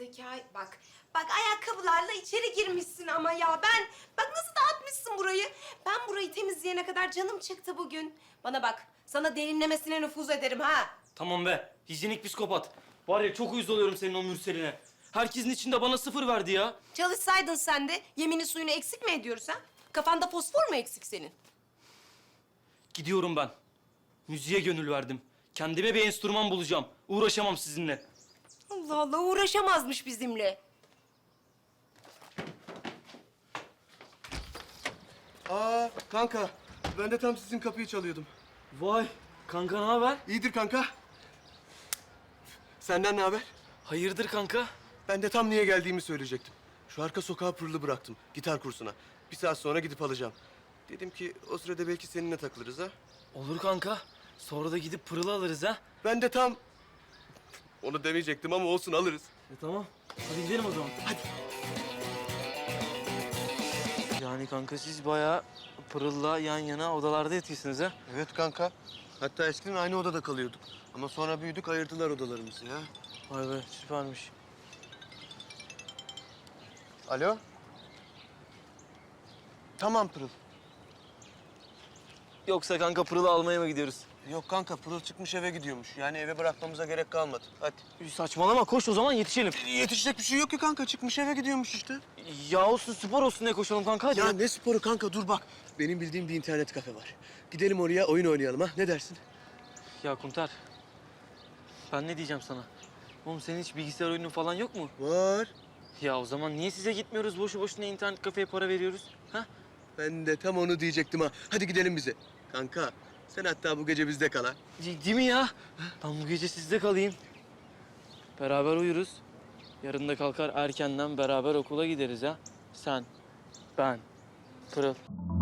Zekai bak. Bak ayakkabılarla içeri girmişsin ama ya bak nasıl dağıtmışsın burayı. Ben burayı temizleyene kadar canım çıktı bugün. Bana bak sana derinlemesine nüfuz ederim ha. Tamam be. Hijyenik psikopat. Var ya çok uyuz oluyorum senin o Mürsel'ine. Herkesin içinde bana 0 verdi ya. Çalışsaydın sen de yemini suyunu eksik mi ediyoruz ha? Kafanda fosfor mu eksik senin? Gidiyorum ben. Müziğe gönül verdim. Kendime bir enstrüman bulacağım. Uğraşamam sizinle. Allah Allah uğraşamazmış bizimle. Aa kanka, ben de tam sizin kapıyı çalıyordum. Vay. Kanka ne haber? İyidir kanka. Senden ne haber? Hayırdır kanka? Ben de tam niye geldiğimi söyleyecektim. Şu arka sokağa Pırıl'ı bıraktım, gitar kursuna. Bir saat sonra gidip alacağım. Dedim ki o sırada belki seninle takılırız ha. Olur kanka. Sonra da gidip Pırıl'ı alırız ha. Ben de tam... Onu demeyecektim ama olsun alırız. Tamam. Hadi gidelim o zaman. Hadi. Yani kanka siz bayağı Pırıl'la yan yana odalarda yatıyorsunuz ha? Evet kanka. Hatta eskiden aynı odada kalıyorduk. Ama sonra büyüdük, ayırdılar odalarımızı ya. Vay be süpermiş. Alo? Tamam Pırıl. Yoksa kanka Pırıl'ı almaya mı gidiyoruz? Yok kanka, Pırıl çıkmış eve gidiyormuş. Yani eve bırakmamıza gerek kalmadı. Hadi. Saçmalama koş o zaman yetişelim. Yetişecek bir şey yok ki kanka. Çıkmış eve gidiyormuş işte. Ya olsun spor olsun diye koşalım kanka hadi. Ya ne sporu kanka, dur bak. Benim bildiğim bir internet kafe var. Gidelim oraya oyun oynayalım ha. Ne dersin? Ya Kuntar, ben ne diyeceğim sana? Oğlum senin hiç bilgisayar oyunun falan yok mu? Var. Ya o zaman niye size gitmiyoruz? Boşu boşuna internet kafeye para veriyoruz. Ha? Ben de tam onu diyecektim ha. Hadi gidelim bize. Kanka sen hatta bu gece bizde kal ha. Değil mi ya? Ben bu gece sizde kalayım. Beraber uyuruz. Yarın da kalkar erkenden beraber okula gideriz ha. Sen, ben, Pırıl.